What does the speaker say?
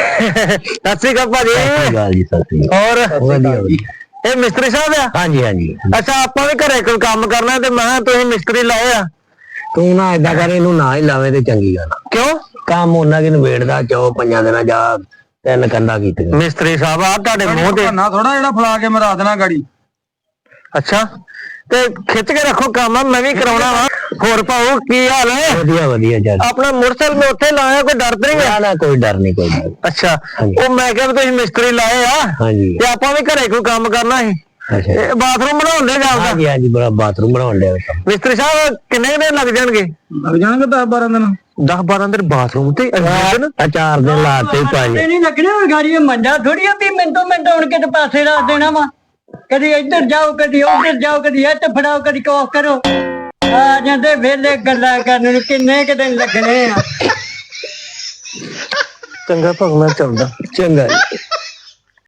ਸਤਿ ਸ਼੍ਰੀ ਅਕਾਲ ਭਾਜੀ। ਹੋਰ ਇਹ ਮਿਸਤਰੀ ਸਾਹਿਬ ਆ? ਹਾਂਜੀ ਹਾਂਜੀ। ਅੱਛਾ, ਆਪਾਂ ਵੀ ਘਰੇ ਕੋਈ ਕੰਮ ਕਰਨਾ ਤੇ ਮੈਂ ਤੁਸੀਂ ਮਿਸਤਰੀ ਲਾਏ ਆ। ਤੂੰ ਨਾ ਏਦਾਂ ਕਰ, ਇਹਨੂੰ ਨਾ ਹੀ ਲਾਵੇਂ ਤੇ ਚੰਗੀ ਗੱਲ। ਕਿਉਂ? ਕੰਮ ਉਹਨਾਂ ਕਿ ਨਵੇੜਦਾ ਚੋ 5 ਦਿਨਾਂ ਜਾ 3 ਕੰਧਾਂ ਕੀਤੀਆਂ। ਮਿਸਤਰੀ ਸਾਹਿਬ ਆ ਤੁਹਾਡੇ ਮੂੰਹ ਤੇ ਨਾ ਥੋੜਾ ਜਿਹੜਾ ਫਲਾ ਕੇ ਮਰਾ ਦੇਣਾ ਗਾੜੀ। ਅੱਛਾ, ਤੇ ਖਿੱਚ ਕੇ ਰੱਖੋ ਕੰਮ, ਮੈਂ ਵੀ ਕਰਾਉਣਾ ਵਾ। ਹੋਰ ਭਾਊ ਕੀ ਹਾਲ ਹੈ? ਵਧੀਆ ਵਧੀਆ ਚੱਲ। ਆਪਣਾ ਮੋਟਰਸਾਈਕਲ ਮੈਂ ਉੱਥੇ ਲਾਇਆ, ਕੋਈ ਡਰ ਨਹੀਂ ਹੈ? ਨਾ ਕੋਈ ਡਰ ਨਹੀਂ, ਕੋਈ ਡਰ। ਅੱਛਾ, ਉਹ ਮੈਂ ਕਿਹਾ ਵੀ ਤੁਸੀਂ ਮਿਸਤਰੀ ਲਾਏ ਆ ਹਾਂਜੀ। ਤੇ ਆਪਾਂ ਵੀ ਘਰੇ ਕੋਈ ਕੰਮ ਕਰਨਾ ਸੀ। ਅੱਛਾ, ਬਾਥਰੂਮ ਬਣਾਉਣ ਦੇ ਜਾਂਦਾ। ਹਾਂਜੀ ਹਾਂਜੀ, ਬੜਾ ਬਾਥਰੂਮ ਬਣਾਉਣ ਡਿਆ। ਮਿਸਤਰੀ ਸਾਹਿਬ ਕਿੰਨੇ ਦਿਨ ਲੱਗ ਜਾਣਗੇ? ਲੱਗ ਜਾਣਗੇ 10-12 ਦਿਨ। 10-12 ਦਿਨ ਬਾਥਰੂਮ ਤੇ? 4 ਦਿਨ ਲਾਤੇ ਭਾਜੀ। ਨਹੀਂ ਲੱਗਣੇ ਹੁਣ ਗਾੜੀ ਮੰਡਾ ਥੋੜੀ ਆ ਵੀ ਮਿੰਟੋ ਮਿੰਟ ਆਉਣ ਕੇ ਤੇ ਪਾਸੇ ਰੱਖ ਦੇਣਾ ਵਾ। ਕਦੀ ਇੱਧਰ ਜਾਓ, ਕਦੀ ਉੱਧਰ ਜਾਓ, ਕਦੀ ਇੱਥੇ ਫੜਾਓ, ਕਦੀ ਕੋਸ ਕਰੋ। ਆ ਜਾਂਦੇ ਵੇਲੇ ਗੱਲਾਂ ਕਰਨ ਨੂੰ, ਕਿੰਨੇ ਕੁ ਦਿਨ ਲੱਗਣੇ ਆ। ਚੰਗਾ ਭਗਵਾਨ ਚੱਲਦਾ। ਚੰਗਾ ਜੀ।